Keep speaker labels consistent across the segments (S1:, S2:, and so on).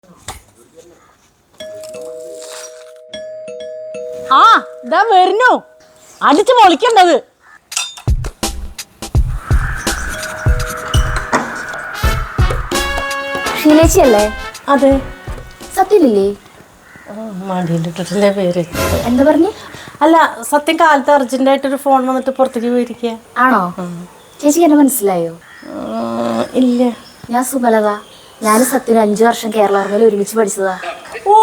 S1: ആ ഇതാ വരുന്നു അടിച്ചു പൊളിക്കണ്ടത്.
S2: ഷീലേച്ചിയല്ലേ?
S1: അതെ.
S2: സത്യമില്ലേ?
S1: മടിയിലിട്ടിട്ടില്ലേ പേര്?
S2: എന്താ പറഞ്ഞു?
S1: അല്ല, സത്യം കാലത്ത് അർജന്റായിട്ടൊരു ഫോൺ വന്നിട്ട് പുറത്തേക്ക് പോയിരിക്കുക.
S2: ആണോ? ചേച്ചിക്ക് എന്നെ മനസ്സിലായോ?
S1: ഇല്ല.
S2: ഞാൻ സുമലത. ഞാനും സത്യന് 5 വർഷം കേരള ഓർമ്മയിൽ ഒരുമിച്ച് പഠിച്ചതാ.
S1: ഓ,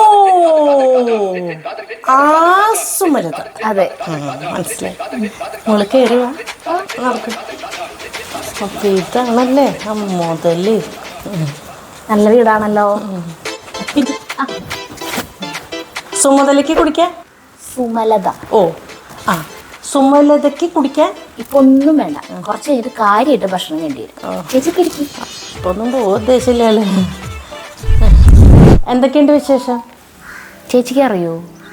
S1: ആ സുമലത.
S2: അതെ,
S1: മനസ്സിലായി. മോള് കയറുക നടക്കും. അപ്പൊ ഇതാണല്ലേ ആ മുതല്.
S2: നല്ല വീടാണല്ലോ.
S1: സുമതലയ്ക്ക് കുടിക്കാൻ
S2: സുമലത.
S1: ഓ ആ സുമലതയ്ക്ക് കുടിക്കാൻ
S2: ഇപ്പൊ ഒന്നും വേണ്ട, കുറച്ച് കഴിഞ്ഞിട്ട് കാര്യമായിട്ട് ഭക്ഷണം വേണ്ടി വരും. ചേച്ചിക്ക് ഇരിക്കും.
S1: ഇപ്പൊ ഒന്നും പോകാൻ ഉദ്ദേശമില്ലല്ലേ. എന്തൊക്കെയുണ്ട് വിശേഷം?
S2: ചേച്ചിക്ക് അറിയോ,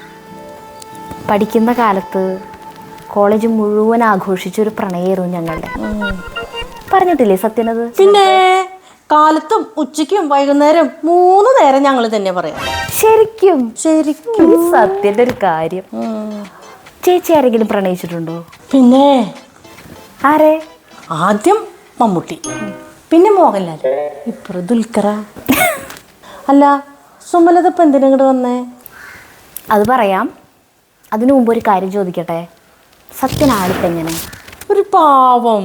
S2: പഠിക്കുന്ന കാലത്ത് കോളേജ് മുഴുവൻ ആഘോഷിച്ചൊരു പ്രണയമായിരുന്നു ഞങ്ങളുടെ. പറഞ്ഞിട്ടില്ലേ സത്യനത്?
S1: പിന്നെ കാലത്തും ഉച്ചയ്ക്കും വൈകുന്നേരം 3 നേരം ഞങ്ങൾ തന്നെ പറയാം.
S2: ശരിക്കും
S1: ശരിക്കും
S2: സത്യന്റെ ഒരു കാര്യം. ചേച്ചി ആരെങ്കിലും പ്രണയിച്ചിട്ടുണ്ടോ?
S1: പിന്നെ
S2: ആരെ?
S1: ആദ്യം മമ്മൂട്ടി, പിന്നെ മോഹൻലാൽ, ഇപ്പുറം ദുൽഖറ. അല്ല, സുമലത ഇപ്പം എന്തിനാ ഇങ്ങോട്ട് വന്നേ?
S2: അത് പറയാം. അതിനു മുമ്പ് ഒരു കാര്യം ചോദിക്കട്ടെ. സത്യനാളിപ്പം എങ്ങനെ?
S1: ഒരു പാവം.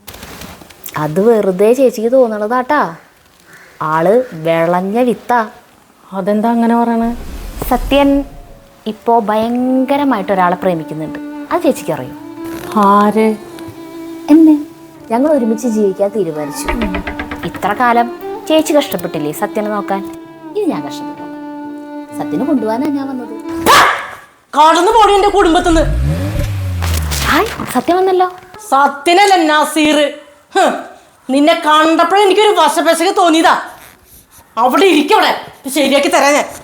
S2: അത് വെറുതെ ചേച്ചിക്ക് തോന്നണതാട്ടാ. ആള് വിളഞ്ഞ വിത്താ.
S1: അതെന്താ അങ്ങനെ പറയണേ?
S2: സത്യൻ ഇപ്പോൾ ഭയങ്കരമായിട്ട് ഒരാളെ പ്രേമിക്കുന്നുണ്ട്. അത് ചേച്ചിക്ക് അറിയും.
S1: ആര്?
S2: എന്നെ. ഞങ്ങൾ ഒരുമിച്ച് ജീവിക്കാൻ തീരുമാനിച്ചു. ഇത്ര കാലം ചേച്ചി കഷ്ടപ്പെട്ടില്ലേ സത്യനെ നോക്കാൻ? ഇനി ഞാൻ കഷ്ടപ്പെട്ടു. സത്യനെ കൊണ്ടുപോകാനാണ് ഞാൻ വന്നത്.
S1: കടന്നു പോടി എന്റെ കുടുംബത്തിന്ന്.
S2: ഹായ്, സത്യം വന്നല്ലോ.
S1: സത്യനല്ല നസീർ. നിന്നെ കണ്ടപ്പോഴേ എനിക്കൊരു വശപശക തോന്നിയതാ. അവിടെ ഇരിക്കവിടെ, ശരിയാക്കി തരാൻ ഞാൻ.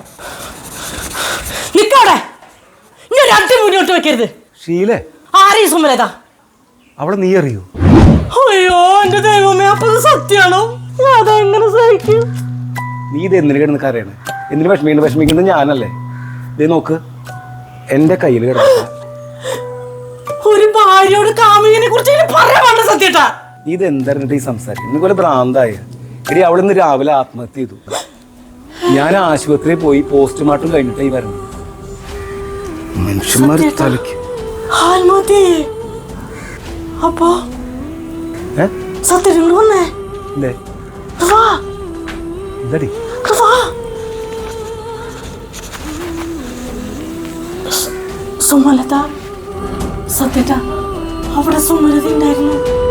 S1: നിക്കവിടെ, ഇനി ഒരു അടി മുന്നോട്ട് വെക്കരുത്.
S3: ഷീലേ,
S1: ആരീ സുമലത?
S3: അവിടെ നീ അറിയൂ?
S1: അയ്യോ എന്റെ ദൈവമേ, അപ്പൊ ഇത് സത്യാണോ? അതെങ്ങനെ സഹിക്കും?
S3: നീ ഇത് എന്തിനു കിടന്ന് കരയണേ? എന്തിനു വിഷമിക്കുന്നത് ഞാനല്ലേ? ഇതേ നോക്ക്, എന്റെ കയ്യിൽ കിടക്ക.
S1: ഒരു ഭാര്യയോട് കാമുകനെ കുറിച്ച് പറയാൻ വേണ്ട സത്യട്ടാ.
S3: നീ ഇത് എന്തായിരുന്നിട്ട് ഈ സംസാരിക്കും? നിനക്ക് പോലെ ഭ്രാന്തായ എടി. അവിടെ നിന്ന് രാവിലെ ആത്മഹത്യ ചെയ്തു. ഞാൻ ആശുപത്രിയിൽ പോയി പോസ്റ്റ്മോർട്ടം കഴിഞ്ഞിട്ടായി വരുന്നത്. മനുഷ്യന്മാർ തലയ്ക്ക്
S1: അപ്പൊ സത്യങ്ങൾ വന്നേ.
S3: എന്താടി
S1: സുമലത? സത്യട്ട അവിടെ സുമലത ഉണ്ടായിരുന്നു.